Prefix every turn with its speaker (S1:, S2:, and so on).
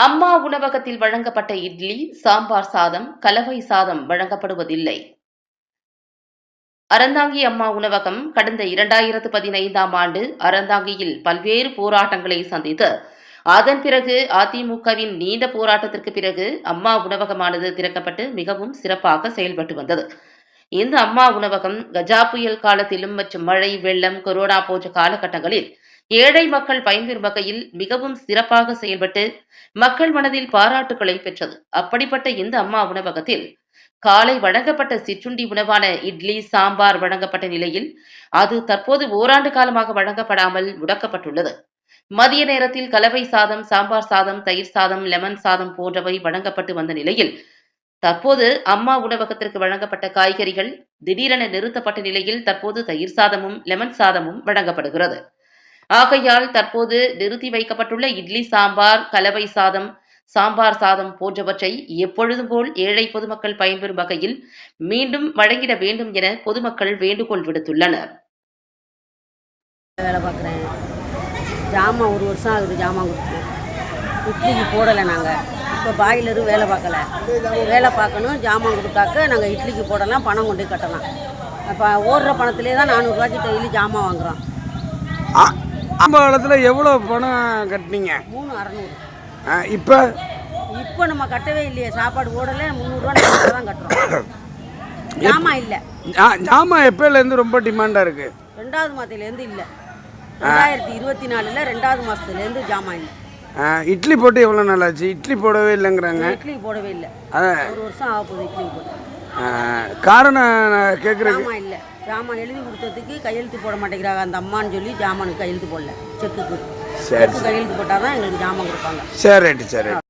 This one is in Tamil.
S1: அம்மா உணவகத்தில் வழங்கப்பட்ட இட்லி, சாம்பார் சாதம், கலவை சாதம் வழங்கப்படுவதில்லை. அறந்தாங்கி அம்மா உணவகம் கடந்த 2015ஆம் ஆண்டு அறந்தாங்கியில் பல்வேறு போராட்டங்களை சந்தித்து, அதன் பிறகு அதிமுகவின் நீண்ட போராட்டத்திற்கு பிறகு அம்மா உணவகமானது திறக்கப்பட்டு மிகவும் சிறப்பாக செயல்பட்டு வந்தது. இந்த அம்மா உணவகம் கஜா புயல் காலத்திலும் மற்றும் மழை, வெள்ளம், கொரோனா போன்ற காலகட்டங்களில் ஏழை மக்கள் பயன்பெறும் வகையில் மிகவும் சிறப்பாக செயல்பட்டு மக்கள் மனதில் பாராட்டுக்களை பெற்றது. அப்படிப்பட்ட இந்த அம்மா உணவகத்தில் காலை வழங்கப்பட்ட சிற்றுண்டி உணவான இட்லி, சாம்பார் வழங்கப்பட்ட நிலையில் அது தற்போது ஓராண்டு காலமாக வழங்கப்படாமல் முடக்கப்பட்டுள்ளது. மதிய நேரத்தில் கலவை சாதம், சாம்பார் சாதம், தயிர் சாதம், லெமன் சாதம் போன்றவை வழங்கப்பட்டு வந்த நிலையில் தற்போது அம்மா உணவகத்திற்கு வழங்கப்பட்ட காய்கறிகள் திடீரென நிறுத்தப்பட்ட நிலையில் தற்போது தயிர் சாதமும், லெமன் சாதமும் வழங்கப்படுகிறது. ஆகையால் தற்போது நிறுத்தி வைக்கப்பட்டுள்ள இட்லி, சாம்பார், கலவை சாதம், சாம்பார் சாதம் போன்றவற்றை எப்பொழுதும் போல் ஏழை பொதுமக்கள் பயன்பெறும் வகையில் மீண்டும் வழங்கிட வேண்டும் என பொதுமக்கள் வேண்டுகோள் விடுத்துள்ளனர்.
S2: வேலை பார்க்குறேன். ஜாமான் 1 வருஷம் ஆகுது ஜாமான் கொடுத்து. இட்லிக்கு போடலை. நாங்கள் இப்போ பாய்லரும் வேலை பார்க்கல. வேலை பார்க்கணும், ஜாமான் கொடுத்தாக்க நாங்கள் இட்லிக்கு போடலாம், பணம் கொண்டு கட்டலாம். அப்போ ஓடுற பணத்திலே தான் 400 ரூபாய்க்கு டெய்லி ஜாமான் வாங்குகிறோம்.
S3: ஆரம்ப காலத்தில் எவ்வளோ பணம் கட்டினீங்க?
S2: 3600.
S3: இப்போ
S2: நம்ம கட்டவே இல்லையே. சாப்பாடு ஓடலை, 300 ரூபா தான் கட்டுறோம். ஜாமான் இல்லை.
S3: ஜாமான் எப்போலேருந்து ரொம்ப டிமாண்டாக இருக்குது?
S2: 2வது மாதத்துலேருந்து இல்லை. 2024 2வது மாதத்துலேருந்து ஜாமான் இல்லை.
S3: இட்லி போட்டு எவ்வளோ நாள் ஆச்சு? இட்லி போடவே இல்லைங்கிறாங்க.
S2: இட்லி போடவே இல்லை. 1 வருஷம் ஆக போகுது இட்லி போட்டு.
S3: காரணம் கேட்குறேன்.
S2: ஜாமான் இல்லை. ஜாமான் எழுதி கொடுத்ததுக்கு கையெழுத்து போட மாட்டேங்கிறாங்க அந்த அம்மான்னு சொல்லி ஜாமானுக்கு கையெழுத்து போடல. செக்குக்கு
S3: சரி,
S2: கையெழுத்து போட்டால் தான் எங்களுக்கு ஜாமான் கொடுப்பாங்க.
S3: சரி, ரைட்டு, சரி.